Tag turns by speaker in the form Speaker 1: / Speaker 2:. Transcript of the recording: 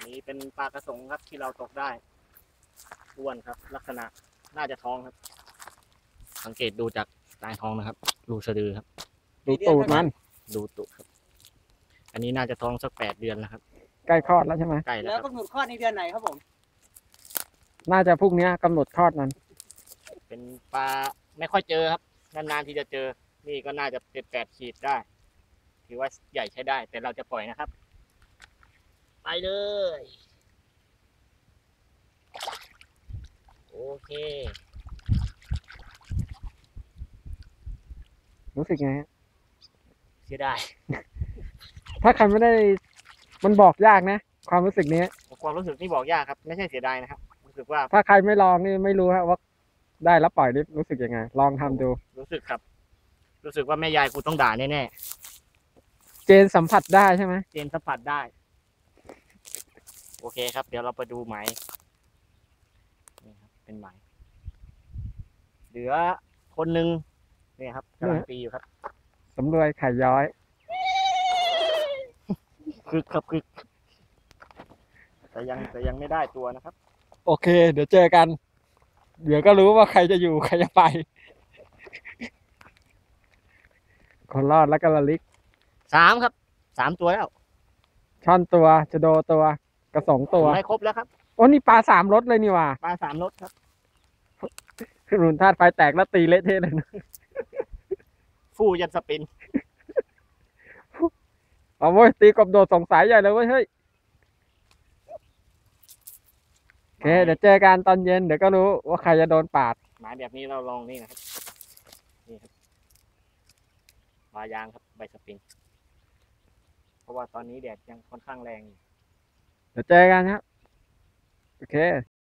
Speaker 1: นี่เป็นปลากระสงครับที่เราตกได้อ้วนครับ ลักษณะน่าจะท้องครับ สังเกตดูจากลายท้องนะครับรูสะดือครับ
Speaker 2: ดูตูดมัน
Speaker 1: ดูตุครับ อันนี้น่าจะท้องสัก8 เดือนแล้วครับ
Speaker 2: ใกล้คลอดแล้วใช่ไหม
Speaker 1: ใกล้แล้
Speaker 3: แล้ว ว
Speaker 1: ครับ
Speaker 3: กำหนดคลอดในเดือนไหนครับผม
Speaker 2: น่าจะพรุ่งนี้กำหนดคลอดมัน
Speaker 1: เป็นปลาไม่ค่อยเจอครับนานๆที่จะเจอนี่ก็น่าจะเป็น8 ขีดได้ ถือว่าใหญ่ใช้ได้ แต่เราจะปล่อยนะครับ ไปเลย โอเค
Speaker 2: รู้สึกไงฮะ
Speaker 1: เสียดาย
Speaker 2: ถ้าใครไม่ได้มันบอกยากนะ ความรู้สึกนี้
Speaker 1: ความรู้สึกนี่บอกยากครับ ไม่ใช่เสียดายนะครับ รู้สึกว่า
Speaker 2: ถ้าใครไม่ลองนี่ไม่รู้ฮะว่าได้แล้วปล่อยนี่รู้สึกยังไง ลองทำดู
Speaker 1: รู้สึกครับ รู้สึกว่าแม่ยายกูต้องด่าแน่
Speaker 2: เจนสัมผัสได้ใช่ไหม
Speaker 1: ๆเจนสัมผัสได้ โอเคครับ เดี๋ยวเราไปดูไหมนี่ครับ เป็นไหม เหลือคนหนึ่งนี่ครับกำลังตีอยู่ครับ
Speaker 2: สำรวยไข่ย้อย
Speaker 1: คือครับคือแต่ยังไม่ได้ตัวนะครับ
Speaker 2: โอเค เดี๋ยวเจอกัน เดี๋ยวก็รู้ว่าใครจะอยู่ใครจะไป คนรอดแล้วก็ระลิก
Speaker 1: 3 ครับ 3 ตัวแล้ว
Speaker 2: ช่อนตัวจะโดตัวกระสงตัว
Speaker 1: ไม่ครบแล้วครับ
Speaker 2: โอ้นี่ปลา3 รสเลยนี่ว่ะ
Speaker 1: ปลา3 รสครับ
Speaker 2: คือรุนธาตุไฟแตกแล้วตีเละเทะเลยนะ
Speaker 1: ฟู่ยันสปิน
Speaker 2: เอาเว้ยตีกบโดดสงสัยใหญ่เลยเว้ยเฮ้ยโอเคเดี๋ยวเจอกันตอนเย็นเดี๋ยวก็รู้ว่าใครจะโดนปาด
Speaker 1: หมายแบบนี้เราลองนี่นะครับ นี่ครับปลายางครับใบสปริง เพราะว่าตอนนี้แดดยังค่อนข้างแรงอยู่
Speaker 2: เดี๋ยวเจอกันครับโอเค